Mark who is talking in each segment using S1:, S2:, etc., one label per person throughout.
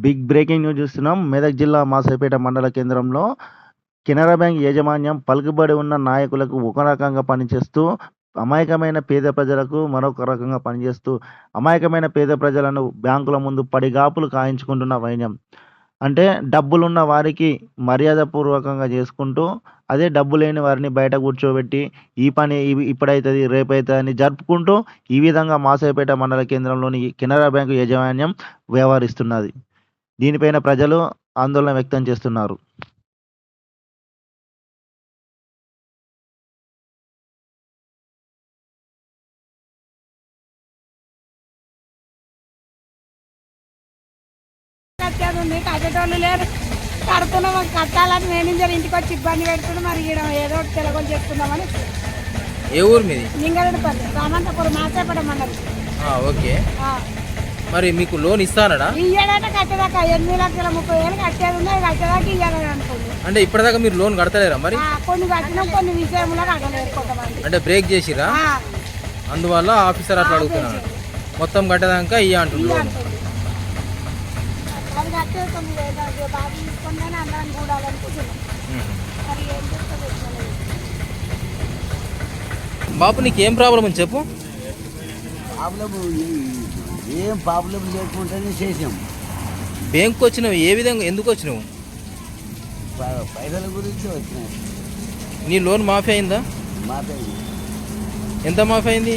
S1: Big breaking news చూస్తున్నాం. మెదక్ జిల్లా మాసైపేట మండల కేంద్రంలో కెనరా బ్యాంక్ యాజమాన్యం పలుకుబడి ఉన్న నాయకులకు ఒక రకంగా పనిచేస్తూ, అమాయకమైన పేద ప్రజలకు మరొక రకంగా పనిచేస్తూ, అమాయకమైన పేద ప్రజలను బ్యాంకుల ముందు పడిగాపులు కాయించుకుంటున్న వైనం. అంటే డబ్బులున్న వారికి మర్యాదపూర్వకంగా చేసుకుంటూ, అదే డబ్బు లేని వారిని బయట కూర్చోబెట్టి, ఈ పని ఇప్పుడైతది, రేపైతదని జరుపుకుంటూ, ఈ విధంగా మాసైపేట మండల కేంద్రంలోని కెనరా బ్యాంకు యాజమాన్యం వ్యవహరిస్తున్నది. దీనిపైన ప్రజలు ఆందోళన వ్యక్తం చేస్తున్నారు.
S2: కట్టేది కట్టేటోళ్ళు లేరు, కడుతున్నాం కట్టాలని మేనేజర్ ఇంటికి వచ్చి ఇబ్బంది పెడుతున్నాం. మరి ఈడ ఏదో ఒకటి తెలగొని చేసుకుందామని.
S3: ఏ ఊరు మీది?
S2: నింగరెడ్డిపల్లి రామంతపురం మాసేపడ మండలి.
S3: ఓకే. మరి మీకు లోన్ ఇస్తానడా?
S2: ఇయ్యాడంటే కట్టేదాకా 8,30,000 కట్టేది ఉన్నాయి, కట్టేదాకా ఇయ్యాలని అనుకుంది.
S3: అంటే ఇప్పటిదాకా మీరు లోన్ కడతలేరా? మరి
S2: కొన్ని కట్టినాం, కొన్ని విషయంలో కట్టలేరు కొంతమంది.
S3: అంటే బ్రేక్ చేసిరా, అందువల్ల ఆఫీసర్ అట్లా అడుగుతున్నాడు. మొత్తం కట్టేదాకా ఇయ్య అంటున్నారు.
S2: అది కట్టేది కొన్ని బాగా తీసుకుంటే అందరం కూడాలనుకుంటున్నాం. మరి ఏం చేస్తుంది?
S3: బాబు నీకేం ప్రాబ్లం అని చెప్పు.
S4: ఏం ప్రాబ్లం లేకుండానే చేసాం.
S3: బ్యాంకు వచ్చినావు, ఏ విధంగా ఎందుకు వచ్చినావు?
S4: పైసల గురించి వచ్చినాయి.
S3: నీ లోన్ మాఫీ అయిందా?
S4: మాఫీ
S3: ఎంత మాఫీ అయింది?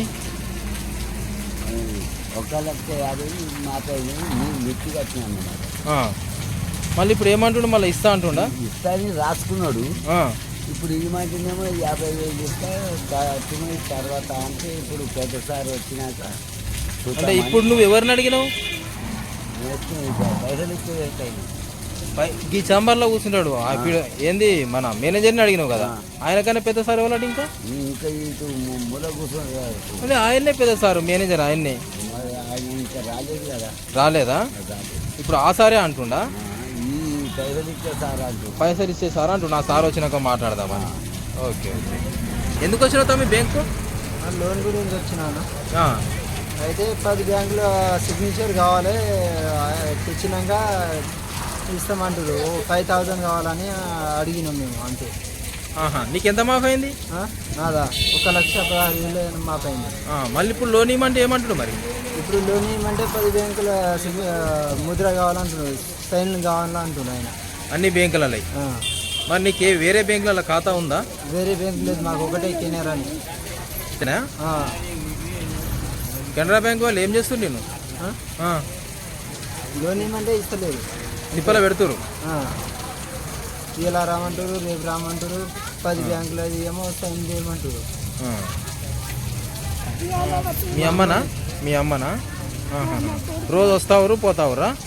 S4: 1,50,000 మాఫీ అయింది. మిర్చి కట్టినా అన్నమాట.
S3: మళ్ళీ ఇప్పుడు ఏమంటుండు? మళ్ళీ ఇస్తా అంటుండా?
S4: ఇస్తాని రాసుకున్నాడు. ఇప్పుడు ఈ మాటనేమో 50,000 ఇస్తా కట్టిన తర్వాత అంటే ఇప్పుడు పెద్దసారి వచ్చినాక
S3: అంటే ఇప్పుడు నువ్వు ఎవరిని అడిగినావు?
S4: పైసలు ఇస్తే
S3: ఈ చాంబర్లో కూర్చుంటాడు ఏంది మన మేనేజర్ని అడిగినావు కదా, ఆయనకన్నా పెద్ద సార్ ఎవరు? ఇంకా
S4: ఇటు మూల కూర్చొని
S3: అదే ఆయన్నే పెద్ద సారు, మేనేజర్ ఆయన్నే.
S4: ఇంకా రాలేదు కదా.
S3: రాలేదా? ఇప్పుడు ఆ సారే అంటుండా
S4: పైసలు ఇచ్చే సార్ అంటూ.
S3: పైసలు ఇచ్చే సార్ అంటూ నా సార్ వచ్చినాక మాట్లాడదామని. Okay okay. ఎందుకు వచ్చినావు తమ్మి బ్యాంకు?
S5: లోన్ గురించి వచ్చినాను. అయితే 10 బ్యాంకుల సిగ్నేచర్ కావాలి, తెచ్చినాక ఇస్తామంటారు. 5,000 కావాలని అడిగినాం మేము అంతే.
S3: నీకు ఎంత మాఫ్ అయింది?
S5: నాదా 1,16,000 మాఫ్ అయింది.
S3: మళ్ళీ ఇప్పుడు లోన్ ఇవ్వమంటే ఏమంటారు? మరి
S5: ఇప్పుడు లోన్ ఇవ్వమంటే 10 బ్యాంకుల ముద్ర కావాలంటున్నారు, సైన్లు కావాలంటున్నారు ఆయన.
S3: అన్ని బ్యాంకులలో. మరి నీకు వేరే బ్యాంకులలో ఖాతా ఉందా?
S5: వేరే బ్యాంకు లేదు, మాకు ఒకటే కెనరా అని.
S3: కెనరా బ్యాంక్ వాళ్ళు ఏం చేస్తుంది? నేను
S5: లోన్ ఇవ్వమంటే ఇస్తలేదు,
S3: నిప్పల పెడుతురు.
S5: ఇలా రామంటారు, రేపు రామంటారు. 10 బ్యాంకులు అది ఏమో సైన్ చేయమంటారు.
S3: మీ అమ్మనా? రోజు వస్తావురు పోతావురా?